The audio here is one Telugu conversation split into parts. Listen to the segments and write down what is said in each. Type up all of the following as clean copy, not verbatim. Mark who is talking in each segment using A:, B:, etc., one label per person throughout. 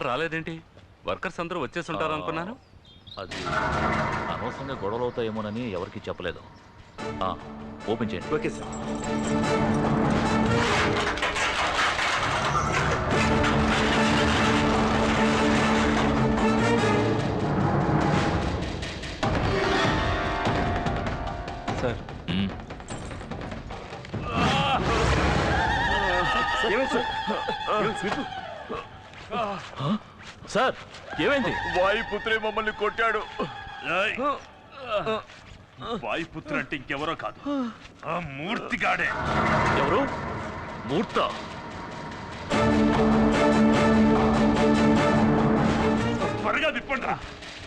A: ఎవరు రాలేదేంటి? వర్కర్స్ అందరూ వచ్చేసి ఉంటారు అనుకున్నాను.
B: అది అనవసరంగా గొడవలు అవుతాయేమోనని ఎవరికి చెప్పలేదు. ఓపెన్ చేయండి.
C: Okay sir.
A: సార్
B: సార్ ఏమైంది?
D: వాయుపుత్రే మమ్మల్ని కొట్టాడు. వాయుపుత్ర అంటే ఇంకెవరో కాదు, ఆ మూర్తిగాడే.
B: ఎవరు? మూర్త?
D: త్వరగా విప్పండి రా.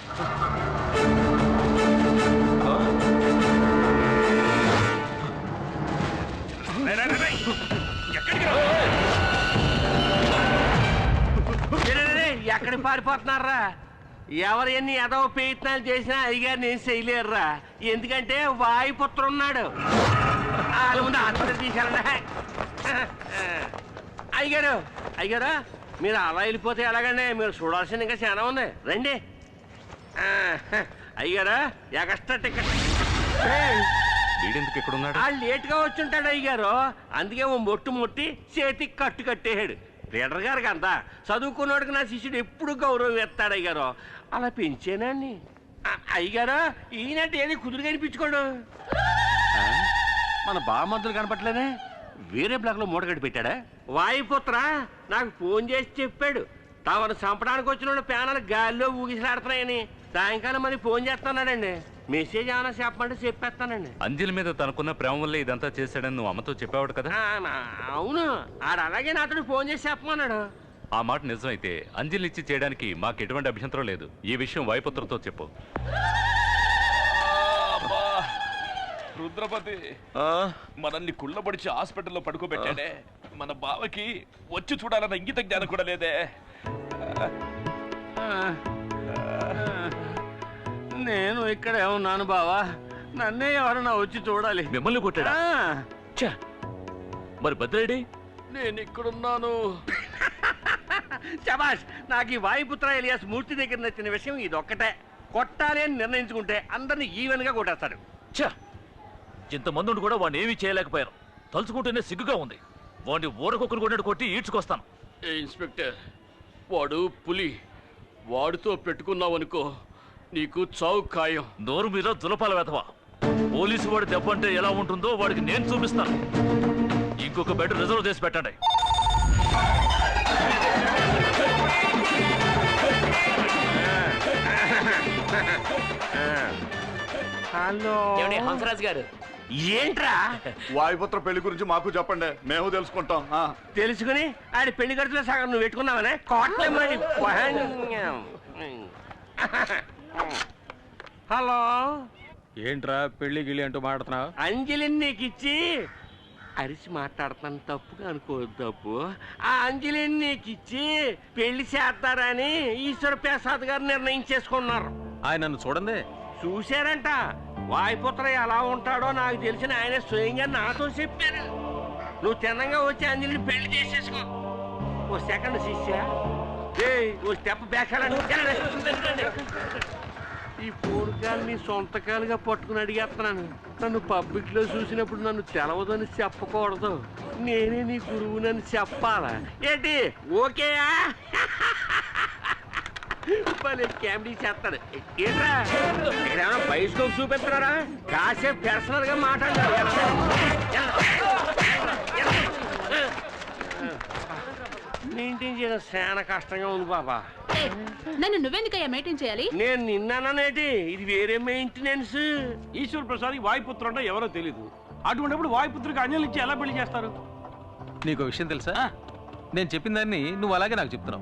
E: ఎక్కడికి పారిపోతున్నారా? ఎవరు ఎన్ని ఎదవ ప్రయత్నాలు చేసినా అయ్యగారు నేను చేయలేరురా. ఎందుకంటే వాయుపుత్ర ఉన్నాడు. వాళ్ళ ముందు ఆత్మహత్య తీశారండి. అయ్యగారు అయ్యగారు మీరు అలా వెళ్ళిపోతే ఎలాగండి? మీరు చూడాల్సింది ఇంకా చాలా ఉంది. రండి. అయ్యగారు ఎక్స్ట్రా టికెట్.
A: వీడెందుకు ఇక్కడ ఉన్నాడు?
E: లేట్గా వచ్చుంటాడు అయ్యగారు. అందుకే ఓ మొట్టు ముట్టి చేతికి కట్టు కట్టేయాడు. లీడర్ గారికి అంతా చదువుకున్నాడుకి నా శిష్యుడు ఎప్పుడు గౌరవం ఎత్తాడు అయ్యారు. అలా పెంచేనండి. అయ్యగారు ఈయనంటే ఏది కుదురు కనిపించుకోడు. మన బామద్దులు కనపట్లేదే. వేరే బ్లాక్ లో మూట కట్టి పెట్టాడా? వాయుపుత్ర నాకు ఫోన్ చేసి చెప్పాడు తమను చంపడానికి వచ్చిన వాళ్ళు ప్యానాలు గాలిలో ఊగిసలాడుతున్నాయని. సాయంకాలం మరి ఫోన్ చేస్తున్నాడండి. మెసేజ్ ఏమైనా చెప్పమంటే చెప్పేస్తానండి.
A: అంజలి మీద తనకున్న ప్రేమ వల్లే ఇదంతా చేశాడని నువ్వు అమ్మతో చెప్పావాడు కదా?
E: అవును. ఆడు అలాగే నాతో ఫోన్ చేసి చెప్పమన్నాడు.
A: ఆ మాట నిజమైతే అంజలిని ఇచ్చి చేయడానికి మాకు ఎటువంటి అభ్యంతరం లేదు. ఈ విషయం వాయుపుత్రతో చెప్పు.
D: రుద్రపతి మనల్ని కుళ్ళబడిచి హాస్పిటల్లో పడుకోబెట్టాడే. మన బావకి వచ్చి చూడాలన్న ఇంగిత జ్ఞానం కూడా లేదే.
E: నేను ఇక్కడే ఉన్నాను బావా. నన్నే ఎవరన్నా వచ్చి చూడాలి.
B: మిమ్మల్ని కొట్టాడా? మరి భద్రేడి?
E: నేను ఇక్కడున్నాను. శబాష్. నాకు ఈ వాయుపుత్ర ఎలియాస్ మూర్తి దగ్గర నచ్చిన విషయం ఇదొక్కటే. కొట్టాలి అని నిర్ణయించుకుంటే అందరినీ ఈవెన్ గా కొట్టేస్తాడు.
B: ఇంతమంది ఉండి కూడా వాడిని ఏమీ చేయలేకపోయారు. తలుచుకుంటేనే సిగ్గుగా ఉంది. వాడిని ఊరకొక్కరు కొట్టినట్టు కొట్టి ఈడ్చుకొస్తాను.
E: ఇన్స్పెక్టర్, వాడు పులి. వాడితో పెట్టుకున్నావనుకో నీకు చావు ఖాయం.
B: నోరు మీద దులపాల వెధవా. పోలీసు వాడి దెబ్బ అంటే ఎలా ఉంటుందో వాడికి నేను చూపిస్తాను. ఇంకొక బెడ్ రిజర్వ్ చేసి పెట్టండి.
E: హలో
F: హంసరాజ్ గారు.
E: ఏంట్రా?
C: వాయుపుత్ర పెళ్లి గురించి మాకు చెప్పండి, మేము తెలుసుకుంటాం.
E: తెలుసుకుని ఆడి పెళ్లి ఖర్చులో సగం నువ్వు పెట్టుకున్నావనే కోట్లే. హలో,
G: ఏంట్రా పెళ్లి గిళ్ళి అంటూ మాట్లాడుతున్నావు?
E: అంజలిని నీకు ఇచ్చి అరిచి మాట్లాడుతున్నాను, తప్పుగా అనుకోవద్దు. తప్పు. ఆ అంజలిని నీకు ఇచ్చి పెళ్లి చేస్తారని ఈశ్వర ప్రసాద్ గారు నిర్ణయించేసుకున్నారు.
G: ఆయన నన్ను చూడండి.
E: చూశారంట. వాయుపుత్ర ఎలా ఉంటాడో నాకు తెలిసిన ఆయన స్వయంగా నాతో చెప్పారు. నువ్వు తిన్నంగా వచ్చి అంజలిని పెళ్లి చేసేసుకో. ఓ సెకండ్ శిష్య, ఓ స్టెప్ బ్యాక్. ఈ ఫోన్ కాల్ నీ సొంత కాలుగా పట్టుకుని అడిగేస్తున్నాను. నన్ను పబ్లిక్ లో చూసినప్పుడు నన్ను తెలవదని చెప్పకూడదు. నేనే నీ గురువునని చెప్పాలా ఏంటి? ఓకేయా? కామెడీ చేస్తాడు. ఏంట్రా ఇక్కడేమన్నా బైస్కోప్ చూపిస్తున్నారా? కాసేపు పర్సనల్ గా మాట్లాడారు. మెయింటైన్ చేయడం చాలా కష్టంగా ఉంది బాబా.
H: నన్ను నువ్వెందుకయ్యా మెయింటైన్ చేయాలి?
E: నేను నిన్నానేటి, ఇది వేరే మెయింటెనెన్స్.
G: ఈశ్వర ప్రసాద్ వాయుపుత్రుడు అంటే ఎవరో తెలీదు. అటువంటిప్పుడు వాయుపుత్రుడికి అంజలి ఇచ్చి ఎలా పెళ్లి చేస్తారు? నీకు విషయం తెలుసా? నేను చెప్పిన దాన్ని నువ్వు అలాగే నాకు చెప్తున్నావు.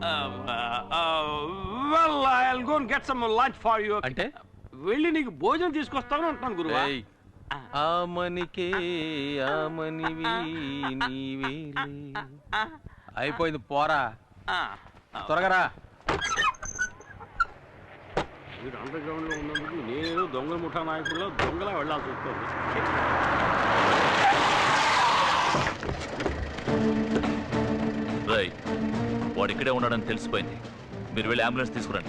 G: అంటే వెళ్ళి నీకు భోజనం తీసుకొస్తాను అంటున్నాను గురువు. ఆమనికే ఆమనివి నీవేలే. అయిపోయింది, పోరా త్వరగా రా. మీరు అండర్ గ్రౌండ్ లో ఉన్నందుకు నేను దొంగల ముఠా నాయకుల్లో దొంగలా వెళ్లాల్సి వస్తుంది.
B: వాడు ఇక్కడే ఉన్నాడని తెలిసిపోయింది. మీరు వెళ్ళి అంబులెన్స్ తీసుకురండి.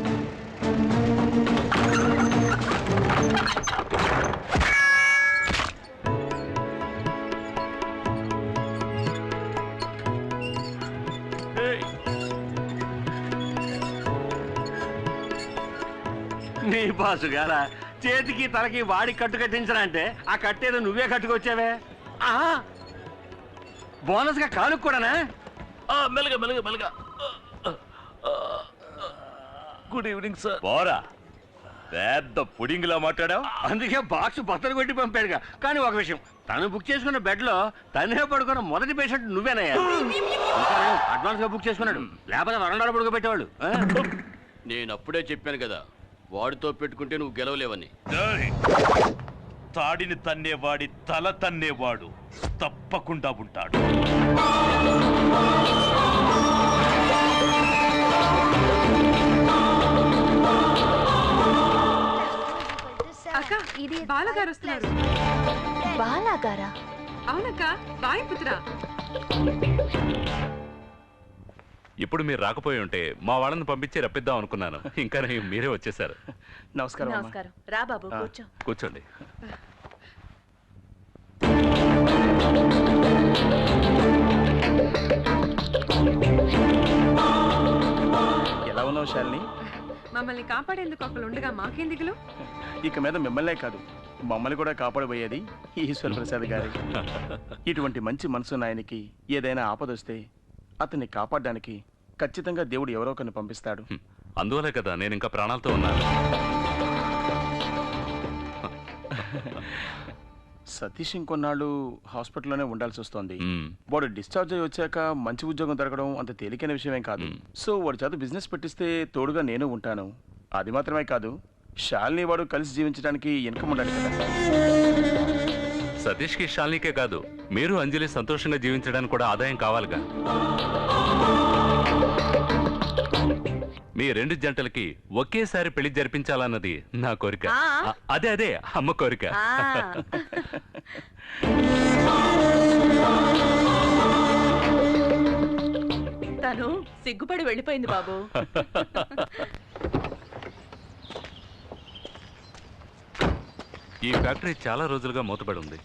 E: నీ బాసు గారా చేతికి తలకి వాడి కట్టు కట్టించరా అంటే ఆ కట్టేదో నువ్వే కట్టుకొచ్చావే. బోనస్ గా కానుక కూడానా?
B: మెల్లగా మెల్లగా మెల్లగా. Good evening sir.
A: పోరా, పెద్ద పుడింగ్ లా మాట్లాడావు.
E: అందుకే బాక్స్ బత్తలు కొట్టి పంపాడుగా. కానీ ఒక విషయం, తను బుక్ చేసుకున్న బెడ్ లో తనే పడుకున్న మొదటి పేషెంట్ నువ్వేనయ్యా. అడ్వాన్స్ గా బుక్ చేసుకున్నాడు, లేకపోతే వరండాలో పడుకోబెట్టేవాళ్ళు.
F: నేను అప్పుడే చెప్పాను కదా, వాడితో పెట్టుకుంటే నువ్వు గెలవలేవని.
D: తాడిని తన్నేవాడి తల తన్నేవాడు తప్పకుండా ఉంటాడు.
I: అక్క, ఇది బాలగారు వస్తున్నారు.
H: బాలాగారా?
I: అవునక్క, వాయుపుత్ర.
A: ఇప్పుడు మీరు రాకపోయి ఉంటే మా వాళ్ళని పంపించి రప్పిద్దాం అనుకున్నాను. ఇంకా మీరే వచ్చేసారు.
C: నమస్కారం.
H: నమస్కారం. రా బాబు, కూర్చో.
A: కూర్చోండి.
C: ఎలా ఉన్నావు శాలిని?
I: మమ్మల్ని కాపాడేందుకు ఒకళ్ళు ఉండగా మాకేం దిగులు?
C: ఇక మీద మిమ్మల్నే కాదు, మమ్మల్ని కూడా కాపాడబోయేది ఈశ్వర ప్రసాద్ గారి. ఇటువంటి మంచి మనసున్న ఆయనకి ఏదైనా ఆపదొస్తే అతన్ని కాపాడడానికి ఖచ్చితంగా దేవుడు ఎవరో ఒకరిని పంపిస్తాడు.
A: అందువలే కదా నేను ఇంకా ప్రాణాలతో ఉన్నాను.
C: సతీష్ ఇంకొన్నాళ్ళు హాస్పిటల్లోనే ఉండాల్సి వస్తోంది. వాడు డిశ్చార్జ్ అయ్యి వచ్చాక మంచి ఉద్యోగం దొరకడం అంత తేలికైన విషయమేం కాదు. సో వాడి చేత బిజినెస్ పెట్టిస్తే తోడుగా నేను ఉంటాను. అది మాత్రమే కాదు, శాలిని వాడు కలిసి జీవించడానికి ఇన్కమ్ ఉండాలి కదా.
A: సతీష్కి శాలినికే కాదు, మీరు అంజలి సంతోషంగా జీవించడానికి కూడా ఆదాయం కావాలిగా. మీ రెండు జంటలకి ఒకేసారి పెళ్లి జరిపించాలన్నది నా కోరిక. అదే అదే అమ్మ కోరిక.
H: తను సిగ్గుపడి వెళ్ళిపోయింది బాబు.
A: ఈ ఫ్యాక్టరీ చాలా రోజులుగా మూతపడి ఉంది.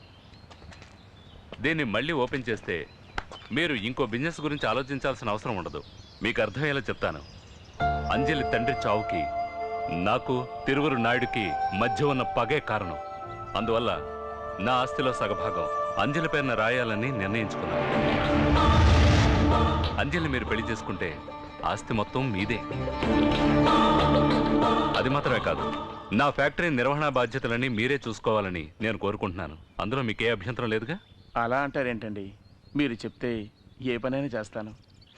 A: దీన్ని మళ్ళీ ఓపెన్ చేస్తే మీరు ఇంకో బిజినెస్ గురించి ఆలోచించాల్సిన అవసరం ఉండదు. మీకు అర్థమయ్యేలా చెప్తాను. అంజలి తండ్రి చావుకి నాకు తిరువురు నాయుడికి మధ్య ఉన్న పగే కారణం. అందువల్ల నా ఆస్తిలో సగభాగం అంజలి పేరున రాయాలని నిర్ణయించుకున్నాను. అంజలిని మీరు పెళ్లి చేసుకుంటే ఆస్తి మొత్తం మీదే. అది మాత్రమే కాదు, నా ఫ్యాక్టరీ నిర్వహణ బాధ్యతలన్నీ మీరే చూసుకోవాలని నేను కోరుకుంటున్నాను. అందులో మీకే అభ్యంతరం లేదుగా?
C: అలా అంటారేంటండి, మీరు చెప్తే ఏ పనైనా చేస్తాను.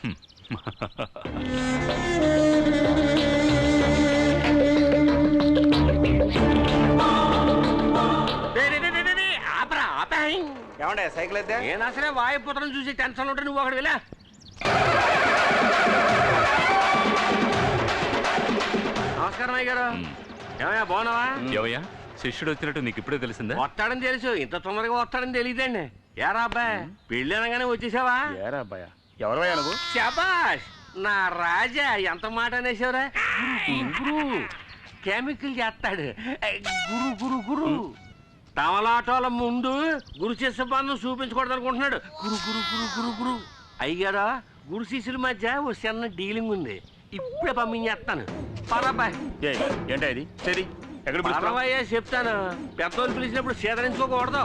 E: ఏమండే సైకిల్ అయితే నేను అసలే వాయుపుత్రం చూసి టెన్షన్ ఉంటే నువ్వు ఒకటి వెళ్ళా. నమస్కారం అయ్య గారు. ఏమయ్యా బాగున్నావా?
A: ఏమయ్యా శిష్యుడు వచ్చినట్టు నీకు ఇప్పుడే తెలిసిందా?
E: వస్తాడని తెలుసు, ఇంత తొందరగా వస్తాడని తెలియదండి. ఏరా అబ్బాయి, పెళ్ళి అనగానే వచ్చేసావా?
C: ఏరా అబ్బాయా, ఎవరవయ్యా నువ్వు?
E: శబాష్, నా రాజా, ఎంత మాట అనేసావురా. గురు కెమికల్ చేస్తాడు. గురు గురు గురు తమలాటోల ముందు గురు శిష్య బంధం చూపించకూడదు అనుకుంటున్నాడు. గురు గురు గురు గురు గురు అయ్యారా, గురు శిష్యుల మధ్య ఓ చిన్న డీలింగ్ ఉంది. ఇప్పుడే పంపించేస్తాను. పరబాయ్.
C: ఏంటా ఇది? సరే ఎక్కడ
E: పరవయ్యా చెప్తాను. పెద్దోళ్ళు పిలిచినప్పుడు సేదరించుకోకూడదు.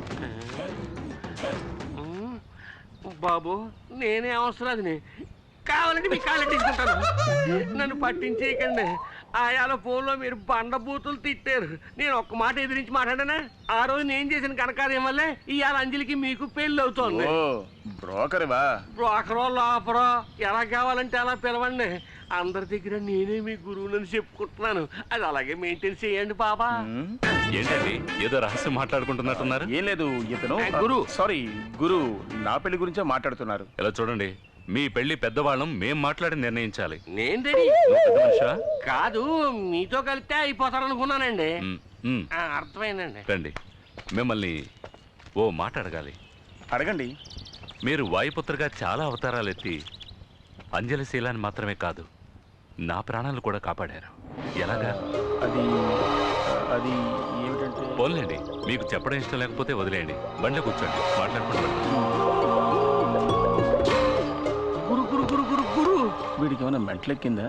E: బాబు నేనే అవసరాదిని, కావాలంటే మీ కాళ్ళు తీసుకుంటాను. నన్ను పట్టించేయకండి. ఆయాల ఫోన్లో మీరు బండబూతులు తిట్టారు. నేను ఒక్క మాట ఎదిరించి మాట్లాడానా? ఆ రోజు నేను చేసిన కనకార్యం వల్లే ఇవాళ అంజలికి మీకు పెళ్లి అవుతోంది.
C: బ్రోకర్వా?
E: బ్రోకరో లోపరో ఎలా కావాలంటే అలా పిలవండి. అందరి దగ్గర నేనే మీ గురువునని చెప్పుకుంటున్నాను. అది అలాగే మెయింటైన్ చేయండి బాబా.
A: ఏంటండి ఏదో రహస్యం మాట్లాడుకుంటున్నట్టున్నారు?
C: ఏం లేదు, ఇతను
E: గురు.
C: సారీ గురు, నా పెళ్లి గురించే మాట్లాడుతున్నారు.
A: ఇలా చూడండి, మీ పెళ్లి పెద్దవాళ్ళం మేం మాట్లాడి నిర్ణయించాలి.
E: నేను రెడీ.
A: నువ్వు పెద్ద మనిషివా?
E: కాదు, మీతో కలిపితే అయిపోతారనుకున్నానండి. అర్థమైందండి.
A: రండి, మిమ్మల్ని ఓ మాట అడగాలి.
C: అడగండి.
A: మీరు వాయుపుత్రగా చాలా అవతారాలు ఎత్తి అంజలి శీలాన్ని మాత్రమే కాదు, నా ప్రాణాలు కూడా కాపాడారు. ఎలాగా?
C: అది అది ఏమిటంటే
A: పోన్లేండి, మీకు చెప్పడం ఇష్టం లేకపోతే వదిలేయండి. బండి కూర్చోండి, మాట్లాడుకుంటాం.
E: గురు గురు గురు గురు గురు
C: వీడికి ఏమైనా మెంటలెక్కిందా?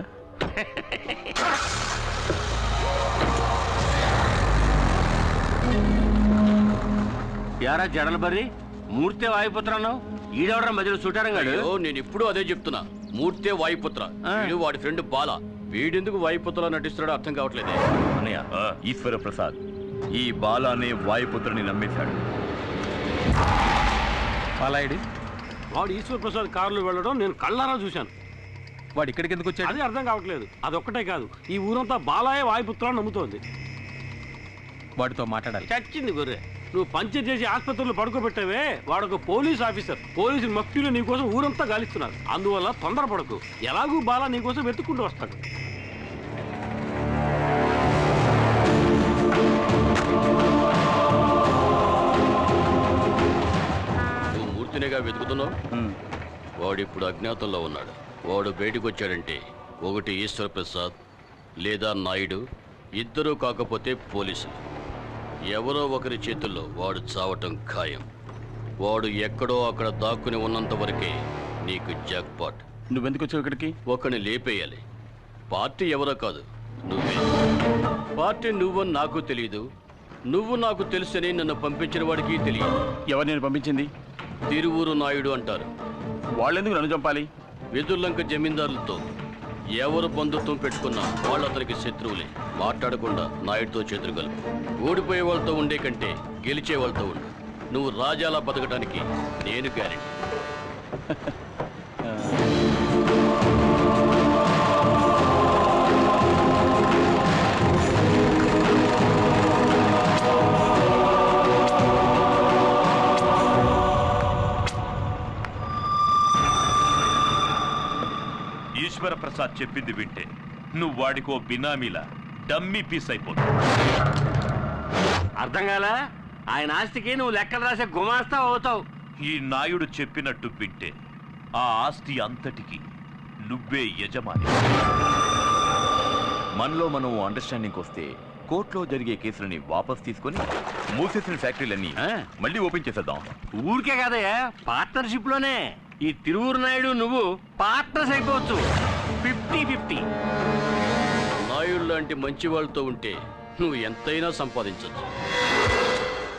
E: యారా జడల బర్రి మూర్తే వాయుపుత్రన్నావు, ఈడవడం మధ్యలో సుటారంగాడు.
F: అయ్యో, నేను ఇప్పుడు అదే చెప్తున్నా. మూర్తే వాయుపుత్ర, వీడు వాడి ఫ్రెండ్ బాల. వీడెందుకు వాయుపుత్రలా నటిస్తున్నాడో అర్థం కావట్లేదే.
J: అన్నయ్య, ఈశ్వర ప్రసాద్ ఈ బాల అనే వాయుపుత్రుని నమ్మేశాడు.
G: పాలాయుడి
K: వాడు ఈశ్వర ప్రసాద్ కారులో వెళ్ళడం నేను కళ్ళారా చూశాను.
G: వాడు ఇక్కడికి ఎందుకు వచ్చాడు?
K: అది అర్థం కావట్లేదు. అదొక్కటే కాదు, ఈ ఊరంతా బాలాయే వాయుపుత్రాన్ని నమ్ముతోంది.
G: వాడితో మాట్లాడాలి.
K: చచ్చింది గొర్రె. నువ్వు పంచర్ చేసి ఆసుపత్రిలో పడుకోబెట్టావే, వాడొక పోలీస్ ఆఫీసర్. పోలీసులు మఫ్టీలో నీకోసం ఊరంతా గాలిస్తున్నారు. అందువల్ల తొందరపడకు. ఎలాగూ బాలా నీకోసం వెతుక్కుంటూ వస్తాడు.
F: నువ్వు మూర్తినిగా వెతుకుతున్నావు. వాడిప్పుడు అజ్ఞాతంలో ఉన్నాడు. వాడు బయటకు వచ్చాడంటే ఒకటి ఈశ్వర ప్రసాద్ లేదా నాయుడు, ఇద్దరూ కాకపోతే పోలీసులు. ఎవరో ఒకరి చేతుల్లో వాడు చావటం ఖాయం. వాడు ఎక్కడో అక్కడ దాక్కుని ఉన్నంత వరకే నీకు జాక్పాట్.
C: నువ్వెందుకు వచ్చావు ఇక్కడికి?
F: ఒకని లేపేయాలి. పార్టీ ఎవరో కాదు, నువ్వే. పార్టీ నువ్వని నాకు తెలియదు, నువ్వు నాకు తెలుసని నన్ను పంపించిన వాడికి తెలియదు.
C: ఎవరు నేను పంపించింది?
F: తిరువూరు నాయుడు అంటారు.
C: వాళ్ళెందుకు నన్ను చంపాలి?
F: వెదుర్లంక జమీందారులతో ఎవరు బంధుత్వం పెట్టుకున్నా వాళ్ళు అతనికి శత్రువులే. మాట్లాడకుండా నాయుడుతో చేతులు కలుపు. ఓడిపోయే వాళ్ళతో ఉండే కంటే గెలిచే వాళ్ళతో ఉండు. నువ్వు రాజాలా బతకడానికి నేను గ్యారెంటీ.
D: ఈశ్వర ప్రసాద్ చెప్పింది వింటే నువ్వు వాడికో బినామీలా డమ్మీ పీస్ అయిపోతావు.
E: అర్థం కాలా? ఆయన ఆస్తికి నువ్వు లెక్కలు రాసే గుమాస్తా అవుతావు.
D: ఈ నాయుడు చెప్పినట్టు వింటే ఆ ఆస్తి అంతటికి నువ్వే యజమాని.
J: మనలో మనం అండర్స్టాండింగ్ వస్తే కోర్టులో జరిగే కేసులని వాపస్ తీసుకొని మూసేసిన ఫ్యాక్టరీలన్నీ మళ్ళీ ఓపెన్ చేసేద్దాం.
E: ఊరికే కాదయ్యా, పార్ట్నర్షిప్ లోనే. ఈ తిరువూరు నాయుడు నువ్వు పార్ట్నర్స్ అయిపోవచ్చు. 50-50.
F: నాయుడు లాంటి మంచి వాళ్ళతో ఉంటే నువ్వు ఎంతైనా సంపాదించవచ్చు.